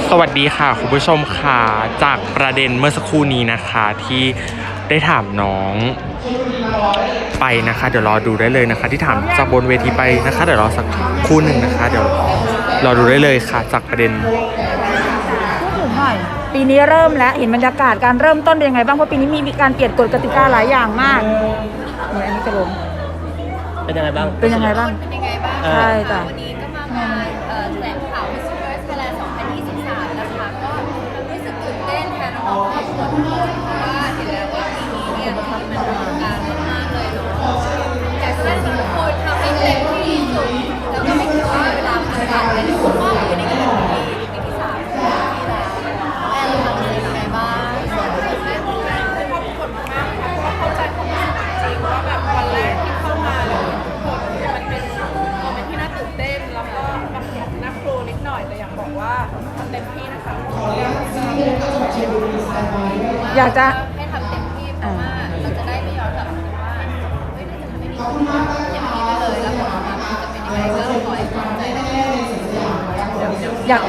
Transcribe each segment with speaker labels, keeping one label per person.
Speaker 1: สวัสดีค่ะคุณผู้ชมค่ะจากประเด็นเมื่อสักครู่นี้นะคะที่ได้ถามน้องไปนะคะเดี๋ยวรอดูได้เลยนะคะที่ถามจากบนเวทีไปนะคะเดี๋ยวรอสักครู่หนึ่งนะคะเดี๋ยวรอดูได้เลยค่ะจากประเด็น
Speaker 2: พูดถึงหน่อยปีนี้เริ่มแล้วเห็นบรรยากาศการเริ่มต้นเป็นยังไงบ้างเพราะปีนี้มีการเปลี่ยนกฎกติกาหลายอย่างมากเหมือนอันนี้จะลง
Speaker 3: เป็นยังไงบ้าง
Speaker 2: ใช่จ้ะ
Speaker 4: วันนี้ก็มางานแถลงข่าว Miss Universe Thailand 2023 นะคะก็รู้สึกตื่นเต้นแทนน้องๆครอบครัวทุกคนเพราะว่าเห็นแล้วว่าปีนี้เนี่ยมันอลังการมากๆเลยเนาะอยากจะให้ทุกคนทำให้เต็มที่ที่สุดแล้วก็ไม่คิดว่าเวลาผ่านไปเนี่ยคุณพ่ออยู่ในกระดาษปีที่3ที่แล้วแอนทำยังไงบ้างตื่นเต้นมากเลยขอบคุณมากค่ะเพราะเข้าใจความรู้สึกจริงว่าแบบวันแรกที่เข้ามาแล้วมันเป็นโมเมนต์ที่น่าตื่นเต้นแล้วก็แบบน่ากลัวนิดหน่อยแต่อยากบอกว่าทำเต็มที่นะคะ
Speaker 2: อยากจะ
Speaker 4: ให้ทำเต็มที่เพราะว่าเราจะได้ไม่ย้อนกลับมาว่าเฮ้ยน่าจะทำให้ดีอย่างนี้ไปเลยแล้วผลออกมามันจะเป็นยังไงก็ขอให้ภูมิใจได้
Speaker 2: อยาก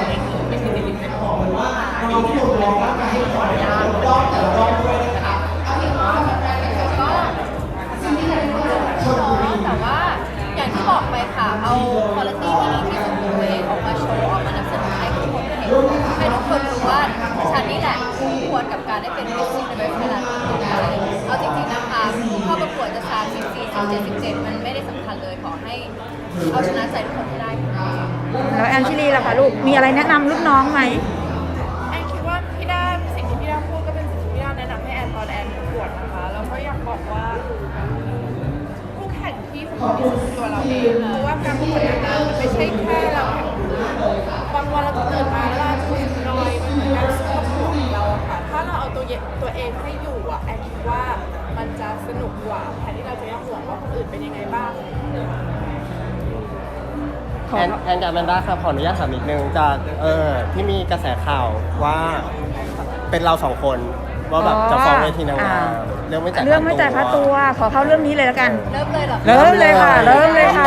Speaker 4: แต่ว่าอย่างที่บอกไปค่ะเอาคุณภาพที่ดีที่สุดของตัวเองออกมาโชว์ออกมานำเสนอให้ทุกคนเห็นให้ทุกคนรู้ว่าฉันนี่แหละคู่ควรกับการได้เป็น Miss Universe Thailand เอาจริงๆนะคะข้อประกวดจะ34 17 17มันไม่ได้สำคัญเลยขอให้เอาชนะใจทุกคนให้ได้
Speaker 2: แล้วแอนชิลีล่ะคะลูกมีอะไรแนะนำรุ่นน้องไหม
Speaker 4: แอนคิดว่าพี่ด้าสิ่งที่พี่ด้าพูดก็เป็นสิ่งที่พี่ด้าแนะนำให้แอนตอนแอนประกวดนะคะแล้วก็อยากบอกว่าผู้แข่งที่สำคัญที่สุดคือตัวเราเองเพราะว่าการประกวดนางงามมันไม่ใช่แค่เราแข่งบางวันเราจะตื่นมาแล้วเราจะรู้สึกน้อยมันเหมือนการสู้กับหัวของเราค่ะถ้าเราเอาตัวเองให้อยู่อ่ะแอนคิดว่ามันจะสนุกกว่าแทนที่เราจะห่วงว่าคนอื่นเป็นยังไงบ้าง
Speaker 3: แอนกับแมนด้าครับขออนุญาตถามนิดนึงจากที่มีกระแสข่าวว่าเป็นเรา2คนว่าแบบจะฟ้องเวทีนางงามเรื่องไม่จ่าย
Speaker 2: ค่าตัวขอเข้าเรื่องนี้เลยแล้วกัน
Speaker 4: เริ่มเลยเหรอ
Speaker 2: เริ่มเลยค่ะก็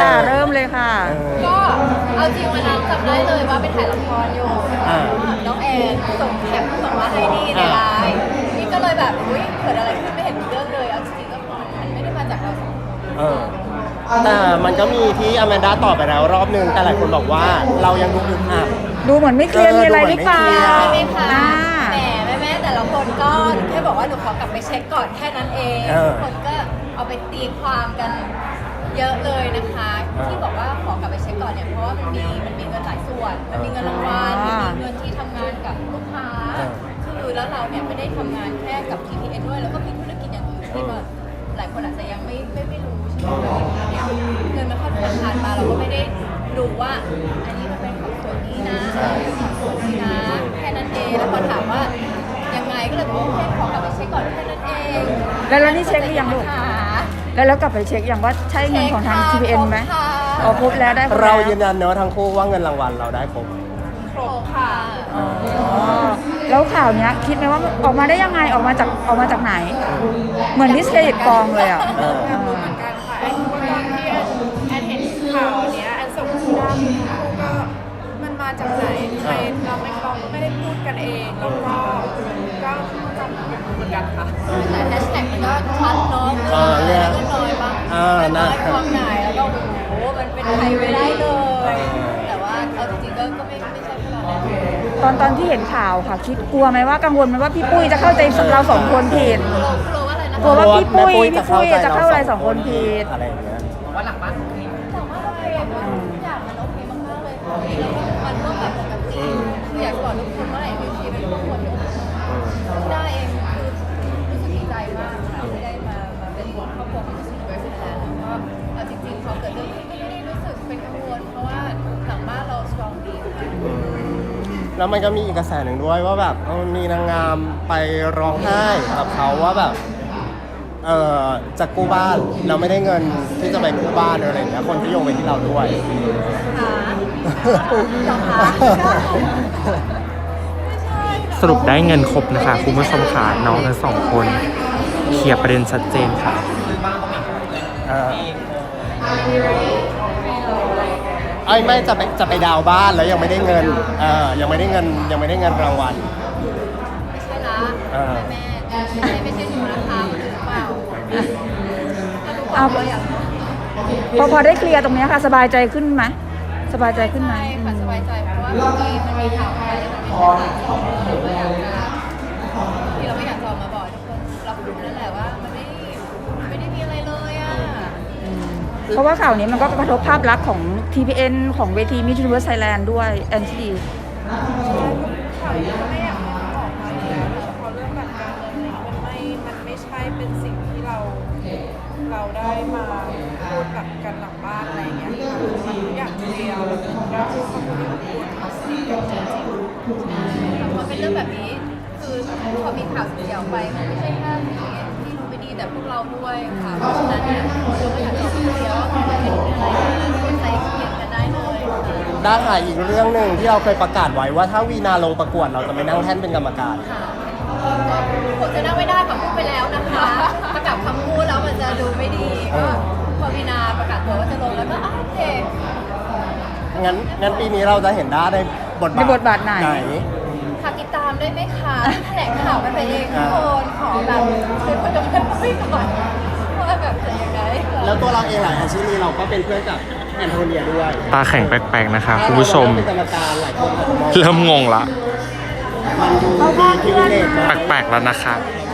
Speaker 4: เอาจริงวันนั้นจำได้เลยว่าไปถ่ายละครอยู่น้องแอนส่งแคปส่งมาให้นี่ในไลน์นี่ก็เลยแบบอุ้ยเกิดอะไรขึ้นไม่เห็นเรื่องเลยเอาจริงๆก็มันไม่ได้มาจากเรา
Speaker 3: แต่มันก็มีที่อแมนด้าตอบไปแล้วรอบนึงแต่หลายคนบอกว่าเรายังดู
Speaker 2: ดูเหมือนไม่เคลียร์มีอะไรหรือเปล่า
Speaker 4: ใช่ไหมคะแหมแม่แต่ละคนก็แค่บอกว่าหนูขอกลับไปเช็คก่อนแค่นั้นเองทุกคนก็เอาไปตีความกันเยอะเลยนะคะที่บอกว่าขอกลับไปเช็คก่อนเนี่ยเพราะว่ามันมีเงินหลายส่วนมันมีเงินรางวัลมันมีเงินที่ทำงานกับลูกค้าคือแล้วเราเนี่ยไม่ได้ทำงานแค่กับ TPN ด้วยแล้วก็มีธุรกิจอย่างอื่นที่แบบหลายคนอาจจะยังไม่รู้ใช่ไหมเนี่ยเงินมันเข้าธนาคารมาเราก็ไม่ได้ดูว่าอันนี้มันเป็นของส่วนนี้นะของส่วนนี้นะแค่นั้นเองแล้วพอถามว่ายังไงก็เลยบอกโอเคขอกลับไปเช็คก่อนแค่นั้นเอง
Speaker 2: แล้วนี่เช็คหรือยังลูกแล้วกลับไปเช็คอย่างว่าใช่เงินของทาง TPN ไหมครบแล้วได้
Speaker 3: เรายืนยันเนอะทั้งคู่ว่าเงินรางวัลเราได้ครบ
Speaker 4: ค่ะ
Speaker 2: แล้วข่าวเนี้ยคิดไหมว่าออกมาได้ยังไงออกมาจากไหนเหมือนดิสเครดิตกองเลยอ่ะ
Speaker 4: รู้เหมือนกันค่ะแอนคิดว่าตอนที่แอนเห็นข่าวเนี้ยแอนส่งคุณด้าก็มันมาจากไหนทำไมเราไม่ได้พูดกันเองแล้วก็จำเหมือนกันค่ะแต่แฮชแท็กมันก็ชัดเนาะก็น้อยบ้างน้อยความไหนแล้วก็โอ้โหมันเป็นใครไม่ได้เลยแต่ว่าเอาจริงๆก็ไม่ใช่ขนาดนั้น
Speaker 2: ตอนที่เห็นข่าวค่ะคิดกลัวไหมว่ากังวลไหมว่าพี่ปุ้ยจะเข้าใจเรา2คนผิด
Speaker 4: กลัวว่าอะไรนะ
Speaker 2: กลัวว่าพี่ปุ้ยจะเข้าอะไร2คนผิด
Speaker 3: อะไรอย่างเงี้ย
Speaker 4: ว่าหลังบ้านโอเคทุกอย่างมันโอเคมากๆเลยมันก็แบบปกติคืออยากบอกทุกคนว่าไอ้บิวตี้เป็นครอบครัวที่ได้เองคือรู้สึกดีใจมากค่ะที่ได้มาเป็นครอบครัวของมิสยูนิเวิร์สไทยแลนด์แล้วก็เอาจริงๆพอเกิดเรื่องนี้ไม่ได้รู้สึกเป็นกังวลเพราะว่าหลังบ้านเราสตรองดีค่ะ
Speaker 3: แล้วมันก็มีอีกกระแสหนึ่งด้วยว่าแบบมีนางงามไปร้องไห้กับเขาว่าแบบจะกู้บ้านเราไม่ได้เงินที่จะไปกู้บ้านอะไรอย่างเงี้ยคนที่โยงไปที่เราด้วย
Speaker 1: สรุปได้เงินครบนะคะคุณผู้ชมค่ะน้องทั้ง2คนเคลียร์ประเด็นชัดเจนค่ะ
Speaker 3: ไม่จะไปดาวน์บ้านแล้วยังไม่ได้เงินยังไม่ได้เงินรางวัล
Speaker 4: ไม่ใช่ละ
Speaker 3: อ่า
Speaker 4: แม่ไม่ใช่หนูนะคะมันหรือเปล่าถ้าทุกคน
Speaker 2: เอา
Speaker 4: เราอยาก
Speaker 2: พอได้เคลียร์ตรงเนี้ยค่ะ สบายใจขึ้นไหมสบายใจขึ้นไหม
Speaker 4: ใช่ค่ะสบายใจเพราะว่าบางทีมันมีข่าวอะไรมันไม่ใช่ข่าวที่เราอยากจะที่เราไม่อยากจะออกมาบอกทุกคนรับรู้นั่นแหละว่ามันไม่ได้มีอะไรเลยอ่ะ
Speaker 2: เพราะว่าข่าวนี้มันก็กระทบภาพลักษณ์ของ TPN ของเวที Miss Universe Thailand ด้วยแอนตี้
Speaker 5: ข่าวนี้ก็ไม่อยากออกมาอยู่แล้วนะเพราะเรื่องแบบการเงินอะไรมันไม่ใช่เป็นสิ่งที่เราได้มาพูดแบบกันหลังบ้านอะไรเงี้ยค่ะมันทุกอย่างเคลียร์แล้วพูดคำพูดที่ควรเขาสนิทกันจริง
Speaker 4: พอเป็นเรื่องแบบนี้คือพอมีข่าวเสียออกไปมันไม่ใช่แค่ที่รู้ไม่ดีแต่พวกเราด้วยค่ะเพราะฉะนั้นเนี่ยเราก็อยากจะออกมาเคลียร์ว่ามันเป็นอะไรคนใจเย็นกันได้เลยค่ะ
Speaker 3: ได้ค่ะอีกเรื่องหนึ่งที่เราเคยประกาศไว้ว่าถ้าวีนาลงประกวดเราจะไม่นั่งแท่นเป็นกรรมการ
Speaker 4: ก็ผมจะนั่งไม่ได้ค่ะพูดไปแล้วนะคะถ้ากลับคำพูดแล้วมันจะดูไม่ดีก็พอวีนาประกาศตัวว่าจะลงแล้วก็โอเค
Speaker 3: งั้นปีนี้เราจะเห็นได้ในบท
Speaker 2: ในบทบาทไหน
Speaker 4: ฝากติดตามได้ไหมคะแถลงข่าวกันไปเองทุกคนขอแบบคือคนจะเป็นไม่ก่อนว่าแบบจะยังไง
Speaker 3: แล้วตัวเราเองหลายอาชีพนี้เราก็เป็นเพื่อนกับแอนโทเนียด้วย
Speaker 1: ตาแข็งแปลกๆนะคะคุณผู้ชม
Speaker 3: เป็นกรรมการหลายคนอาจจะมอง
Speaker 1: เริ่มงงละ
Speaker 3: มันดูดีพิเวเลตนะ
Speaker 1: แปลกๆแล้วนะคะ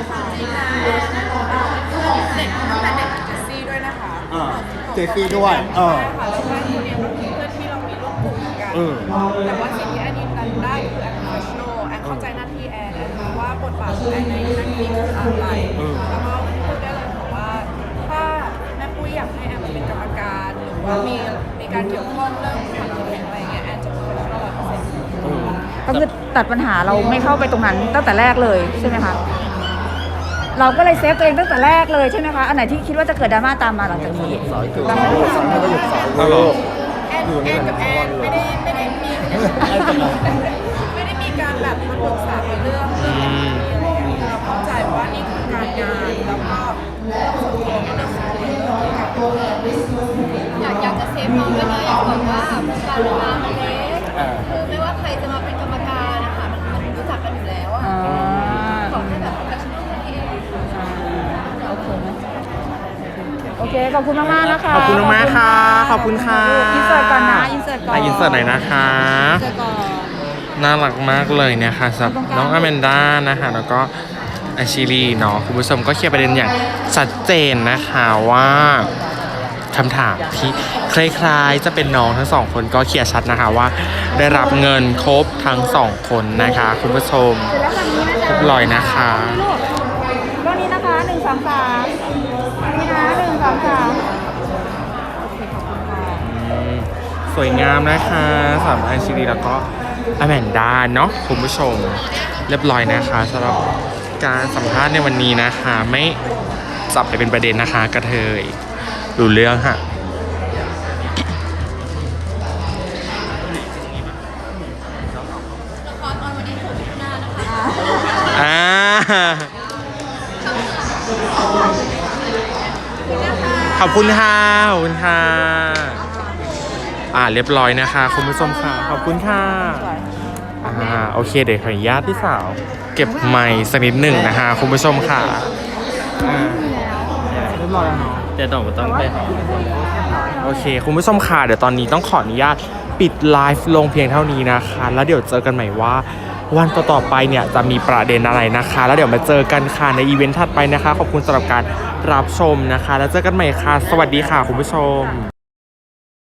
Speaker 5: ๆเด็กแต่เด็กเจสซี่ด้วยนะคะ
Speaker 3: เจฟฟี่ด้วย
Speaker 5: ใช่ค่ะแล้วก็คนเนี้ยมันคือเพื่อนที่เรามีร่วมกลุ่มกัน แต่ว่าสิ่งที่แอนยืนยันได้คือแอน professional แอนเข้าใจหน้าที่แอนรู้ว่าบทบาทของแอนในหน้าที่คืออะไรแล้วก็พูดได้เลยค่ะว่าถ้าแม่ปุ้ยอยากให้แอนมาเป็นกรรมการหรือว่ามีการเกี่ยวข้องเรื่องความแข็งอะไรเงี้ยแอนจะ professional 100%
Speaker 2: ก็คือตัดปัญหาเราไม่เข้าไปตรงนั้นตั้งแต่แรกเลยใช่ไหมคะ เราก็เลยเซฟตัวเองตั้งแต่แรกเลยใช่ไหมคะ อันไหนที่คิดว่าจะเกิดดราม่าตามมาหลังจากนี้
Speaker 3: สอยคือสอนให้ก็หยุดสอน
Speaker 1: ฮัลโหล
Speaker 5: แอนกับแอนไม่ได้มีการแบบมาปรึกษาในเรื่องอะไรอย่างเงี้ยเราเข้าใจว่านี่คือการงานแล้วก็เรื่องส่วนตัวก็เรื่องส่วนตัวเรื่องการเงิน
Speaker 4: อยากจะเซฟน้องด้วยนะอยากบอกว่าวงการมามันเล็กคือไม่ว่าใครจะมาเป็นกรรมการนะคะมันรู้จักกันอยู่แล้วอะขอให้แบบโปรเฟชชั่นอลนั่นเอง
Speaker 2: โอเค ขอบคุณมากๆนะคะ
Speaker 1: ขอบคุณมากๆค่ะขอบคุณค่ะ
Speaker 2: อินเสิร์ตก่อนนะอินเสิร์ตก่อน
Speaker 1: อินเสิร์ตหน่อยนะคะ
Speaker 2: อินเสิร์ตก่อน
Speaker 1: น่ารักมากเลยเนี่ยค่ะสำหรับน้องอแมนด้านะคะแล้วก็อาชิลีเนาะคุณผู้ชมก็เคลียร์ประเด็นอย่างชัดเจนนะคะว่าคำถามที่คล้ายๆจะเป็นน้องทั้งสองคนก็เคลียร์ชัดนะคะว่าได้รับเงินครบทั้งสองคนนะคะคุณผู้ชม
Speaker 2: เสร็จแล้วฝั่งนี้นะจ๊ะ
Speaker 1: เรียบร้อยนะคะ
Speaker 2: ลูกก็นี้นะคะ1 2 3นี่นะ1 2 3
Speaker 1: สวยงามนะคะสำหรับอาชิลีแล้วก็อแมนด้าเนาะคุณผู้ชมเรียบร้อยนะคะสำหรับการสัมภาษณ์ในวันนี้นะคะ ไม่จับไปเป็นประเด็นนะคะกระเทยรู้เรื่องค่ะ
Speaker 4: ละครออนวันที่6 มิถุนายนนะคะ
Speaker 1: ขอบคุณค่ะขอบคุณค่ะเรียบร้อยนะคะคุณผู้ชมค่ะขอบคุณค่ะโอเคเดี๋ยวขออนุญาตพี่สาวเก็บไมค์สักนิดหนึ่งนะคะคุณผู้ชมค่ะเรียบร้อยแล้วเนาะเดี๋ยวต้องไปโอเคคุณผู้ชมค่ะเดี๋ยวตอนนี้ต้องขออนุญาตปิดไลฟ์ลงเพียงเท่านี้นะคะแล้วเดี๋ยวเจอกันใหม่ว่าวันต่อๆไปเนี่ยจะมีประเด็นอะไรนะคะแล้วเดี๋ยวมาเจอกันค่ะในอีเวนต์ถัดไปนะคะขอบคุณสำหรับการรับชมนะคะแล้วเจอกันใหม่ค่ะสวัสดีค่ะคุณผู้ชม